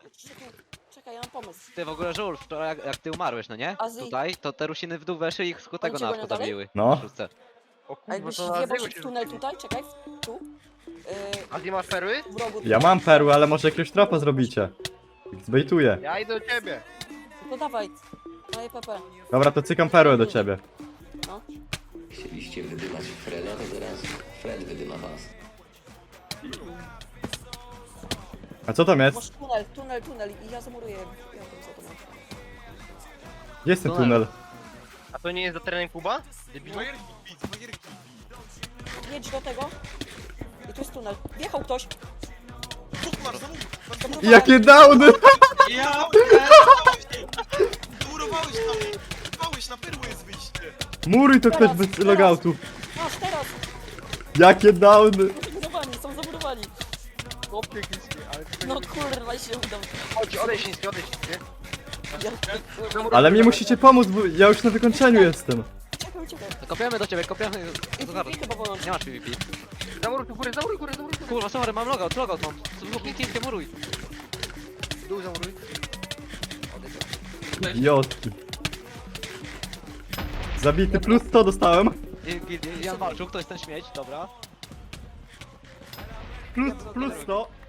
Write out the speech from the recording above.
Czekaj, ja mam pomysł. Ty w ogóle żul, wczoraj jak ty umarłeś, no nie? Azji. Tutaj, to te rusiny w dół weszły i ich z tego cię na gonią dalej? zabiły. No. Na szóstce. O A kurwa, jakbyś to na wjebał Aziego się się w tunel rzucili. tutaj, czekaj, tu. A ty masz perły? W rogu. Ja mam perły, ale może jakiegoś tropa zrobicie. Zbejtuję. Ja idę do ciebie. No dawaj. Daję PP. Dobra, to cykam perłę do ciebie. No. Chcieliście wydymać Freda, to zaraz Fred wydyma was. A co tam jest? Masz tunel i ja zamuruję. Ja tam za tobą. Gdzie jest ten tunel? A to nie jest za terenem Kuba? Debilu? Jedź do tego. I tu jest tunel. Wjechał ktoś. Jakie downy! Ja Murowałeś tam! Murowałeś, na perły jest wyjście! Muruj to ktoś bez logoutu. Masz teraz. Jakie downy! Są zamurowani. Chłopie chińskie, ale to No kurwa się udał. Chodź, odejdź chińskie, odejdź chińskie. Ja, Ale mi musicie pomóc, bo ja już na wykończeniu jestem. uciekaj. No kopiamy do ciebie, kopiamy. I Zaraz. PvP chyba woląć. Nie masz PvP. Zamuruj tu górę, zamuruj górę, zamuruj górę. Kurwa, sorry, mam logout mam. Chińskie muruj. Dół zamuruj. Idiotki. Zabity plus 100 dostałem. Jan walczył, kto jest ten śmieć, dobra. Plus 100.